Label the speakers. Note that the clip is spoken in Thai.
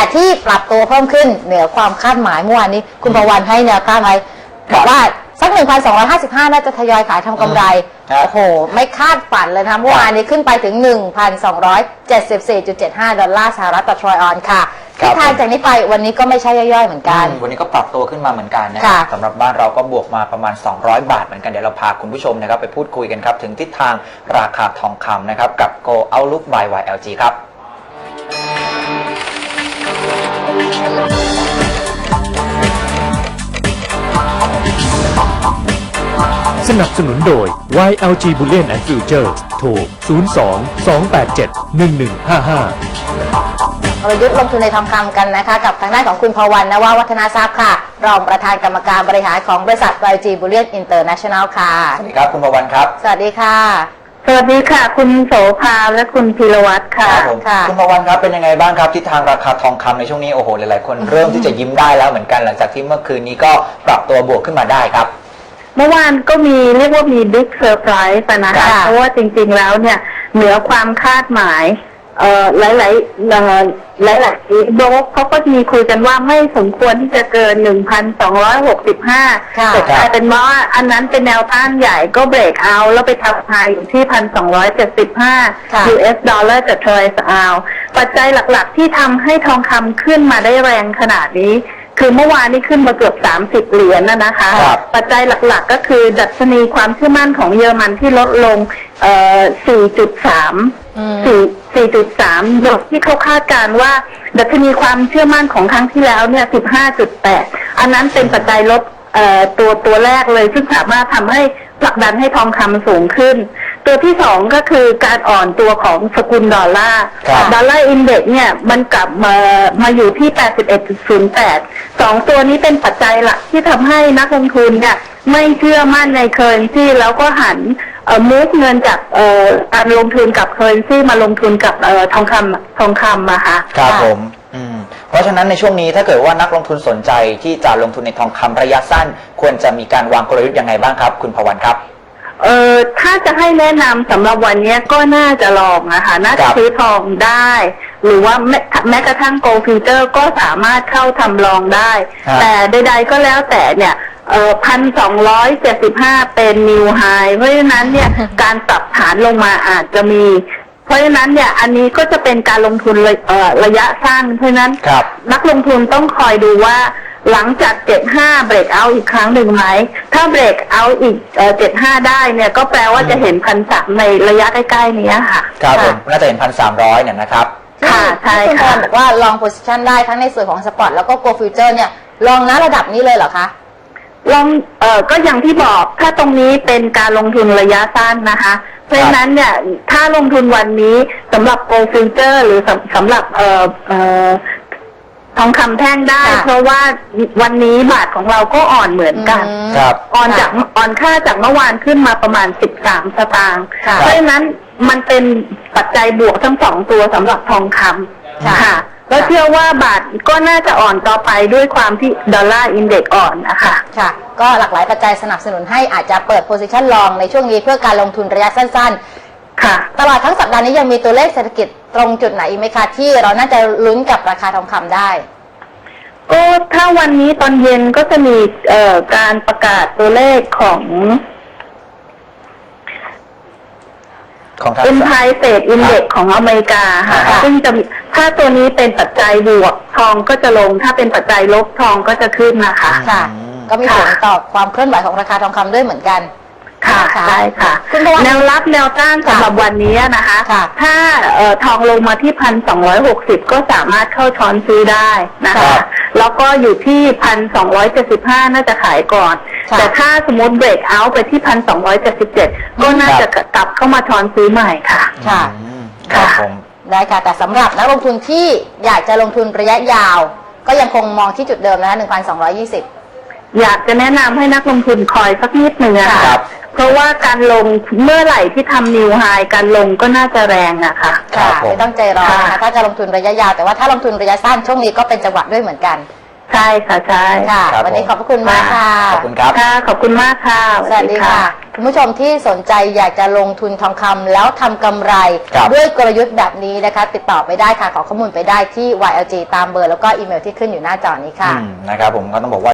Speaker 1: ที่ปรับตัวเพิ่มขึ้นเหนือความคาดหมายเมื่อวานนี้คุณประวันให้แนวต้านไว้บอกว่าสัก 1,255 น่าจะทยอยขายทำกำไรโอ้โหไม่คาดฝันเลยนะเมื่อวานนี้ขึ้นไปถึง 1,274.75 ดอลลาร์สหรัฐต่อทรอยออนซ์ค่ะทิศทางจากนี้ไปวันนี้ก็ไม่ใช่ย่อยๆเหมือนกัน
Speaker 2: วันนี้ก็ปรับตัวขึ้นมาเหมือนกันนะครับสำหรับบ้านเราก็บวกมาประมาณ200 บาทเหมือนกันเดี๋ยวเราพาคุณผู้ชมนะครับไปพูดคุยกันครับถึงทิศทางราคาทองคำนะครับกับ Go Outlook by YLG ครับ
Speaker 3: สนับสนุนโดย YLG Bullion and Future โทร 02-287-1155
Speaker 1: เรายุทธลงทุนในทองคำกันนะคะกับทางด้านของคุณพวันนววัฒนาทรัพย์ค่ะรองประธานกรรมการบริหารของบริษัท YLG Bullion International ค่ะ
Speaker 2: สวัสดีครับคุณพวันครับ
Speaker 1: สวัสดีค่ะ
Speaker 4: สวัสดีค่ะคุณโสภาและคุณพีรวัตรค่ะ
Speaker 2: คุณพวันครับเป็นยังไงบ้างครับทิศทางราคาทองคำในช่วงนี้โอ้โหหลายๆคนเริ่มที่จะยิ้มได้แล้วเหมือนกันหลังจากที่เมื่อคืนนี้ก็ปรับตัวบวกขึ้นมาได้ครับ
Speaker 4: เมื่อวานก็เรียกว่ามีบิ๊กเซอร์ไพรส์นะคะเพราะว่าจริงๆแล้วเนี่ยเหนือความคาดหมายหลายโบรกเขาก็มีคุยกันว่าไม่สมควรที่จะเกิน 1,265 แต่กลายเป็นว่าอันนั้นเป็นแนวต้านใหญ่ก็เบรกเอาแล้วไปทำไฮอยู่ที่ 1,275 US ดอลลาร์ต่อทรอยออนซ์ปัจจัยหลักๆที่ทำให้ทองคำขึ้นมาได้แรงขนาดนี้คือเมื่อวานนี้ขึ้นมาเกือบ30 เหรียญนะคะปัจจัยหลักๆก็คือดัชนีความเชื่อมั่นของเยอรมันที่ลดลง4.3โดยที่เขาคาดการณ์ว่าดัชนีความเชื่อมั่นของครั้งที่แล้วเนี่ย 15.8 อันนั้นเป็นปัจจัยลดตัวแรกเลยซึ่งสามารถทำให้ผลักดันให้ทองคำสูงขึ้นตัวที่สองก็คือการอ่อนตัวของสกุลดอลลาร์อินเด็กซ์เนี่ยมันกลับมาอยู่ที่ 81.08 2 ตัวนี้เป็นปัจจัยหลักที่ทำให้นักลงทุนเนี่ยไม่เชื่อมั่นในเคอร์เรนซีแล้วก็หันมูฟเงินจากการลงทุนกับเคอร์เรนซีมาลงทุนกับทองคำอะค่ะ
Speaker 2: ครับผมเพราะฉะนั้นในช่วงนี้ถ้าเกิดว่านักลงทุนสนใจที่จะลงทุนในทองคำระยะสั้นควรจะมีการวางกลยุทธ์ยังไงบ้างครับคุณพวันครับ
Speaker 4: ถ้าจะให้แนะนำสำหรับวันนี้ก็น่าจะลองนะคะน่าจะซื้อทองได้หรือว่าแม้กระทั่งโกลด์ฟิวเจอร์ก็สามารถเข้าทำลองได้แต่ใดๆก็แล้วแต่เนี่ย1,275 เป็นนิวไฮเพราะฉะนั้นเนี่ยการปรับฐานลงมาอาจจะมีเพราะฉะนั้นเนี่ยอันนี้ก็จะเป็นการลงทุนระยะสั้นเพราะฉะนั้นนักลงทุนต้องคอยดูว่าหลังจาก75เบรกเอาอีกครั้งหนึ่งไหมถ้าเบรกเอาอีก75ได้เนี่ยก็แปลว่าจะเห็น1,300ในระยะใกล้ๆนี้ค่ะ
Speaker 2: ครับผมน่าจะเห็น1,300เนี่ยนะครับ
Speaker 1: ค่ะใช่ค่ะคุณบอกว่าลองโพซิชันได้ทั้งในส่วนของสปอร์ตแล้วก็โกลด์ฟิวเจอร์เนี่ยลองนะระดับนี้เลยเหรอคะ
Speaker 4: ลองก็อย่างที่บอกถ้าตรงนี้เป็นการลงทุนระยะสั้นนะคะเพราะฉะนั้นเนี่ยถ้าลงทุนวันนี้สำหรับโกลด์ฟิวเจอร์หรือสำหรับทองคำแท่งได้เพราะว่าวันนี้บาทของเราก็อ่อนเหมือนกันอ่อนค่าจากเมื่อวานขึ้นมาประมาณ13 สตางค์เพราะฉะนั้นมันเป็นปัจจัยบวกทั้ง2 ตัวสำหรับทองคำค่ะแล้วเชื่อว่าบาทก็น่าจะอ่อนต่อไปด้วยความที่ดอลลาร์อินเด็กซ์อ่อนนะคะ
Speaker 1: ค่ะก็หลากหลายปัจจัยสนับสนุนให้อาจจะเปิดโพซิชันลองในช่วงนี้เพื่อการลงทุนระยะสั้นๆค่ะตลอดทั้งสัปดาห์นี้ยังมีตัวเลขเศรษฐกิจตรงจุดไหนอีกไหมคะที่เราน่าจะลุ้นกับราคาทองคำได้
Speaker 4: ก็ถ้าวันนี้ตอนเย็นก็จะมีการประกาศตัวเลขของEmpire State Index ของอเมริกาค่ะซึ่งจะถ้าตัวนี้เป็นปัจจัยบวกทองก็จะลงถ้าเป็นปัจจัยลบทองก็จะขึ้นนะคะ
Speaker 1: ค่ะก็มีผลต่อความเคลื่อนไหวของราคาทองคำด้วยเหมือนกัน
Speaker 4: ค่ะใช่ค่ะแนวรับแนวต้านสำหรับวันนี้นะคะถ้าทองลงมาที่ 1,260 ก็สามารถเข้าช้อนซื้อได้นะคะแล้วก็อยู่ที่ 1,275 น่าจะขายก่อนแต่ถ้าสมมติเบรกเอาท์ไปที่ 1,277 ก็น่าจะกลับเข้ามาช้อนซื้อใหม่ค่ะ
Speaker 1: ค่ะได้ค่ะแต่สำหรับนักลงทุนที่อยากจะลงทุนระยะยาวก็ยังคงมองที่จุดเดิมนะคะ 1,220
Speaker 4: อยากจะแนะนำให้นักลงทุนคอยสักนิดหนึ่งนะคะเพราะว่าการลงเมื่อไหร่ที่ทำนิวไฮการลงก็น่าจะแรงอะค่ะ
Speaker 1: ค่ะไม่ต้องใจร้อนนะคะถ้าจะลงทุนระยะยาวแต่ว่าถ้าลงทุนระยะสั้นช่วงนี้ก็เป็นจังหวะด้วยเหมือนกัน
Speaker 4: ใช่ค่ะใช่
Speaker 1: ค่ะวันนี้ขอบพระคุณมากค่ะ
Speaker 2: ขอบคุณครับ
Speaker 4: ขอบคุณมากค่ะ
Speaker 1: สวัสดีค่ะคุณผู้ชมที่สนใจอยากจะลงทุนทองคำแล้วทำกำไร
Speaker 2: ครับ
Speaker 1: ด้วยกลยุทธ์แบบนี้นะคะ ติดต่อไปได้ค่ะขอข้อมูลไปได้ที่ YLG ตามเบอร์แล้วก็อีเมลที่ขึ้นอยู่หน้าจอนี้ค่ะ
Speaker 2: นะครับผมก็ต้องบอกว่า